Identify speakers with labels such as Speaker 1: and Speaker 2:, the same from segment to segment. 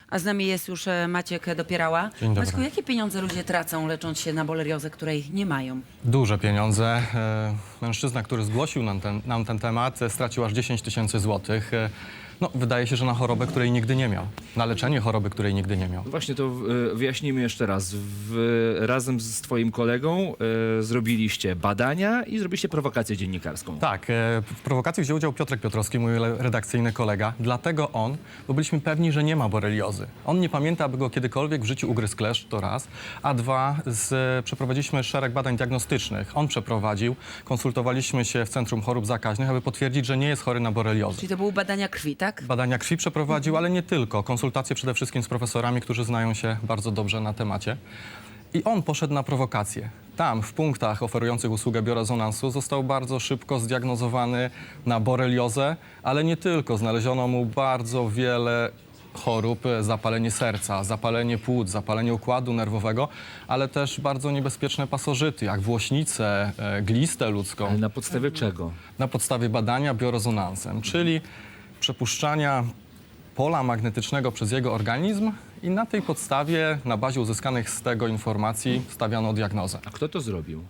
Speaker 1: A z nami jest już Maciek Dopierała.
Speaker 2: Dzień dobry.
Speaker 1: Maćku, jakie pieniądze ludzie tracą, lecząc się na boleriozę, której nie mają?
Speaker 2: Duże pieniądze. Mężczyzna, który zgłosił nam ten temat, stracił aż 10 000 złotych. No, wydaje się, że na chorobę, której nigdy nie miał. Na leczenie choroby, której nigdy nie miał.
Speaker 3: Właśnie to wyjaśnijmy jeszcze raz. Razem z twoim kolegą zrobiliście badania i zrobiliście prowokację dziennikarską.
Speaker 2: Tak, w prowokacji wziął udział Piotrek Piotrowski, mój redakcyjny kolega. Dlatego bo byliśmy pewni, że nie ma boreliozy. On nie pamięta, aby go kiedykolwiek w życiu ugryzł kleszcz, to raz. A dwa, przeprowadziliśmy szereg badań diagnostycznych. On przeprowadził, konsultowaliśmy się w Centrum Chorób Zakaźnych, aby potwierdzić, że nie jest chory na boreliozę.
Speaker 1: Czyli to były badania krwi, tak?
Speaker 2: Badania krwi przeprowadził, ale nie tylko. Konsultacje przede wszystkim z profesorami, którzy znają się bardzo dobrze na temacie. I on poszedł na prowokację. Tam, w punktach oferujących usługę biorezonansu, został bardzo szybko zdiagnozowany na boreliozę, ale nie tylko. Znaleziono mu bardzo wiele chorób, zapalenie serca, zapalenie płuc, zapalenie układu nerwowego, ale też bardzo niebezpieczne pasożyty, jak włośnicę, glistę ludzką.
Speaker 3: Ale na podstawie czego?
Speaker 2: Na podstawie badania biorezonansem, czyli przepuszczania pola magnetycznego przez jego organizm i na tej podstawie, na bazie uzyskanych z tego informacji, stawiano diagnozę.
Speaker 3: A kto to zrobił?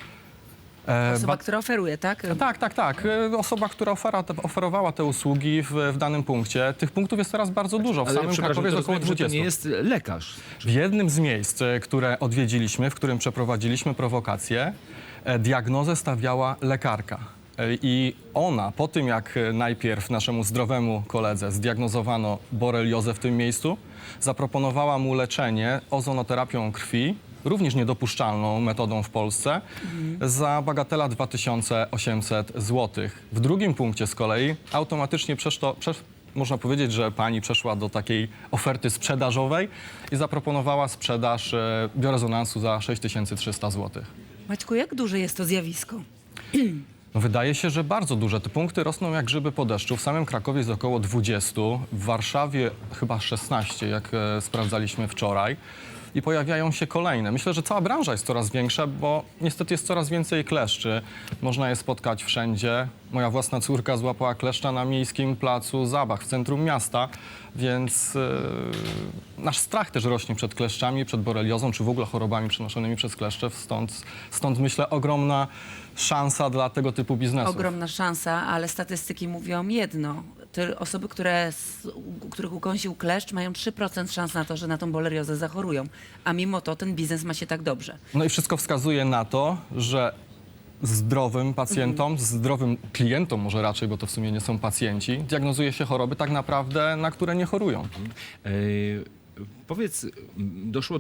Speaker 1: Osoba, która oferuje, tak?
Speaker 2: Tak. Osoba, która oferowała te usługi w danym punkcie. Tych punktów jest teraz bardzo dużo. W
Speaker 3: Ale
Speaker 2: samym
Speaker 3: przepraszam,
Speaker 2: Krakowie
Speaker 3: to
Speaker 2: jest około
Speaker 3: rozumiem, że
Speaker 2: 20.
Speaker 3: to nie jest lekarz.
Speaker 2: W jednym z miejsc, które odwiedziliśmy, w którym przeprowadziliśmy prowokację, diagnozę stawiała lekarka. I ona, po tym jak najpierw naszemu zdrowemu koledze zdiagnozowano boreliozę w tym miejscu, zaproponowała mu leczenie ozonoterapią krwi, również niedopuszczalną metodą w Polsce, za bagatela 2800 zł. W drugim punkcie z kolei automatycznie można powiedzieć, że pani przeszła do takiej oferty sprzedażowej i zaproponowała sprzedaż biorezonansu za 6300 zł.
Speaker 1: Maćku, jak duże jest to zjawisko?
Speaker 2: No, wydaje się, że bardzo duże. Te punkty rosną jak grzyby po deszczu. W samym Krakowie jest około 20, w Warszawie chyba 16, jak sprawdzaliśmy wczoraj. I pojawiają się kolejne. Myślę, że cała branża jest coraz większa, bo niestety jest coraz więcej kleszczy. Można je spotkać wszędzie. Moja własna córka złapała kleszcza na miejskim placu zabaw w centrum miasta, więc nasz strach też rośnie przed kleszczami, przed boreliozą, czy w ogóle chorobami przenoszonymi przez kleszcze. Stąd myślę ogromna szansa dla tego typu biznesów.
Speaker 1: Ogromna szansa, ale statystyki mówią jedno. Te osoby, których ukąsił kleszcz, mają 3% szans na to, że na tą boleriozę zachorują. A mimo to ten biznes ma się tak dobrze.
Speaker 2: No i wszystko wskazuje na to, że zdrowym pacjentom, zdrowym klientom może raczej, bo to w sumie nie są pacjenci, diagnozuje się choroby tak naprawdę, na które nie chorują.
Speaker 3: Powiedz, doszło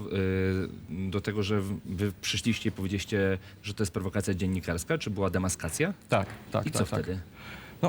Speaker 3: do tego, że wy przyszliście i powiedzieliście, że to jest prowokacja dziennikarska, czy była demaskacja?
Speaker 2: Tak.
Speaker 3: I co wtedy?
Speaker 2: No,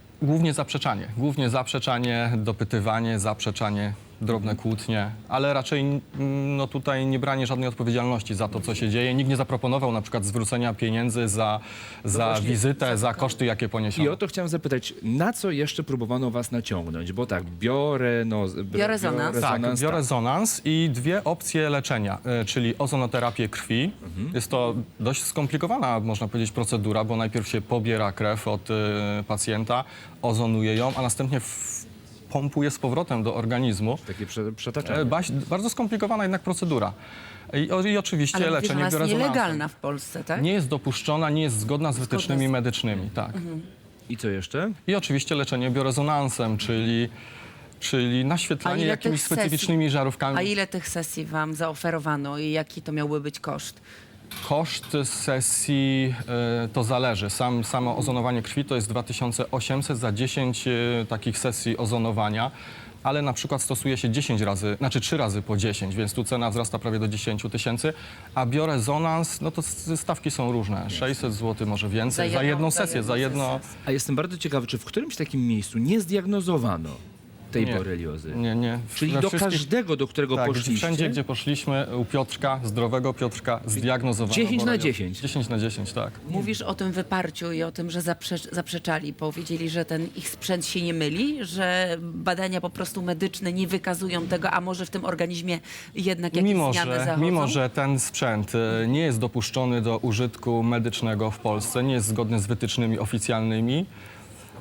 Speaker 2: głównie zaprzeczanie, dopytywanie, zaprzeczanie, drobne kłótnie, ale raczej tutaj nie branie żadnej odpowiedzialności za to, co się dzieje. Nikt nie zaproponował na przykład zwrócenia pieniędzy za
Speaker 3: właśnie,
Speaker 2: wizytę, za koszty, jakie
Speaker 3: I
Speaker 2: poniesiono.
Speaker 3: o to chciałem zapytać, na co jeszcze próbowano was naciągnąć? Bo tak, biorezonans.
Speaker 2: Tak, biorezonans i dwie opcje leczenia, czyli ozonoterapię krwi. Jest to dość skomplikowana, można powiedzieć, procedura, bo najpierw się pobiera krew od pacjenta, ozonuje ją, a następnie pompuje z powrotem do organizmu.
Speaker 3: Takie przetaczanie.
Speaker 2: Bardzo skomplikowana jednak procedura. I oczywiście
Speaker 1: Ale
Speaker 2: leczenie
Speaker 1: ona jest
Speaker 2: biorezonansem.
Speaker 1: nielegalna w Polsce, tak?
Speaker 2: Nie jest dopuszczona, nie jest zgodna z wytycznymi medycznymi, tak.
Speaker 3: I co jeszcze?
Speaker 2: I oczywiście leczenie biorezonansem, czyli naświetlanie jakimiś specyficznymi żarówkami.
Speaker 1: A ile tych sesji wam zaoferowano i jaki to miałby być koszt?
Speaker 2: Koszt sesji to zależy. Samo ozonowanie krwi to jest 2800 za 10 takich sesji ozonowania, ale na przykład stosuje się 3 razy po 10, więc tu cena wzrasta prawie do 10 000, a biorezonans, no to stawki są różne. 600 zł, może więcej, za jedną sesję, za jedno...
Speaker 3: A jestem bardzo ciekawy, czy w którymś takim miejscu nie zdiagnozowano tej
Speaker 2: Nie.
Speaker 3: boreliozy?
Speaker 2: Nie.
Speaker 3: Czyli
Speaker 2: We
Speaker 3: do
Speaker 2: wszystkich-
Speaker 3: każdego, do którego
Speaker 2: Tak,
Speaker 3: poszliście?
Speaker 2: wszędzie, gdzie poszliśmy, u Piotrka, zdrowego Piotrka, zdiagnozowano
Speaker 3: 10 na
Speaker 2: boreliozę.
Speaker 3: 10.
Speaker 2: 10 na 10, tak.
Speaker 1: Mówisz o tym wyparciu i o tym, że zaprzeczali. Powiedzieli, że ten ich sprzęt się nie myli, że badania po prostu medyczne nie wykazują tego, a może w tym organizmie jednak jakieś zmiany zachodzą?
Speaker 2: Mimo, że ten sprzęt nie jest dopuszczony do użytku medycznego w Polsce, nie jest zgodny z wytycznymi oficjalnymi,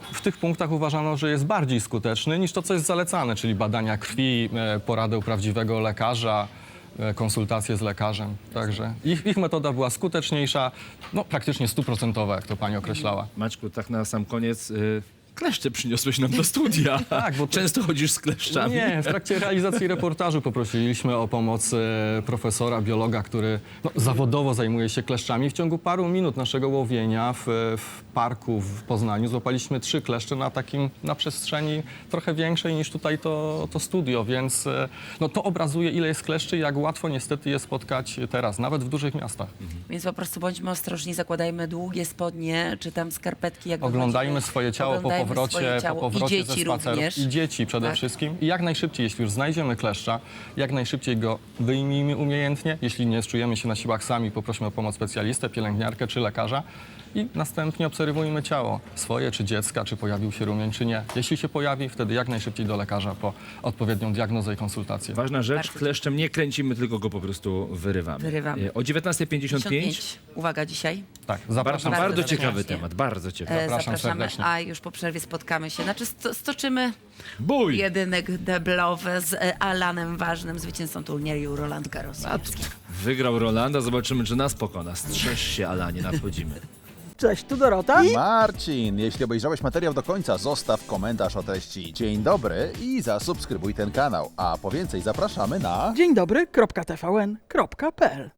Speaker 2: w tych punktach uważano, że jest bardziej skuteczny niż to, co jest zalecane, czyli badania krwi, porady u prawdziwego lekarza, konsultacje z lekarzem. Także ich metoda była skuteczniejsza, no praktycznie 100%, jak to pani określała.
Speaker 3: Maćku, tak na sam koniec, kleszcze przyniosłeś nam do studia.
Speaker 2: Tak, bo to-
Speaker 3: Często chodzisz z kleszczami.
Speaker 2: Nie, w trakcie realizacji reportażu poprosiliśmy o pomoc profesora, biologa, który zawodowo zajmuje się kleszczami. W ciągu paru minut naszego łowienia w parku w Poznaniu złapaliśmy 3 kleszcze na przestrzeni trochę większej niż tutaj to studio, więc to obrazuje, ile jest kleszczy i jak łatwo niestety je spotkać teraz, nawet w dużych miastach.
Speaker 1: Więc po prostu bądźmy ostrożni, zakładajmy długie spodnie, czy tam skarpetki. Jak
Speaker 2: Oglądajmy
Speaker 1: wychodzimy.
Speaker 2: swoje ciało po
Speaker 1: Oglądajmy
Speaker 2: powrocie,
Speaker 1: swoje ciało.
Speaker 2: po powrocie
Speaker 1: I dzieci
Speaker 2: ze spaceru.
Speaker 1: również.
Speaker 2: I dzieci przede
Speaker 1: Tak.
Speaker 2: wszystkim. I jak najszybciej, jeśli już znajdziemy kleszcza, jak najszybciej go wyjmijmy umiejętnie. Jeśli nie czujemy się na siłach sami, poprośmy o pomoc specjalistę, pielęgniarkę czy lekarza i następnie obserwujmy ciało swoje czy dziecka, czy pojawił się rumień, czy nie. Jeśli się pojawi, wtedy jak najszybciej do lekarza po odpowiednią diagnozę i konsultację.
Speaker 3: Ważna rzecz,
Speaker 1: Bardzo
Speaker 3: kleszczem nie kręcimy, tylko go po prostu wyrywamy.
Speaker 1: Wyrywamy.
Speaker 3: O 19:55
Speaker 1: 55. Uwaga dzisiaj.
Speaker 2: Tak, zapraszam.
Speaker 3: bardzo
Speaker 1: serdecznie.
Speaker 3: ciekawy temat, bardzo ciekawy.
Speaker 2: Zapraszam
Speaker 1: Zapraszamy,
Speaker 2: serdecznie.
Speaker 1: a już po przerwie spotkamy się. Znaczy stoczymy
Speaker 3: Bój!
Speaker 1: jedynek deblowy z Alanem Ważnym, zwycięzcą turnieju Roland Garros.
Speaker 3: Wygrał Rolanda, zobaczymy, czy nas pokona. Strzeż się, Alanie, nadchodzimy.
Speaker 4: Cześć, tu Dorota.
Speaker 5: Marcin, jeśli obejrzałeś materiał do końca, zostaw komentarz o treści dzień dobry i zasubskrybuj ten kanał. A po więcej zapraszamy na...
Speaker 4: Dzień dobry, .tvn.pl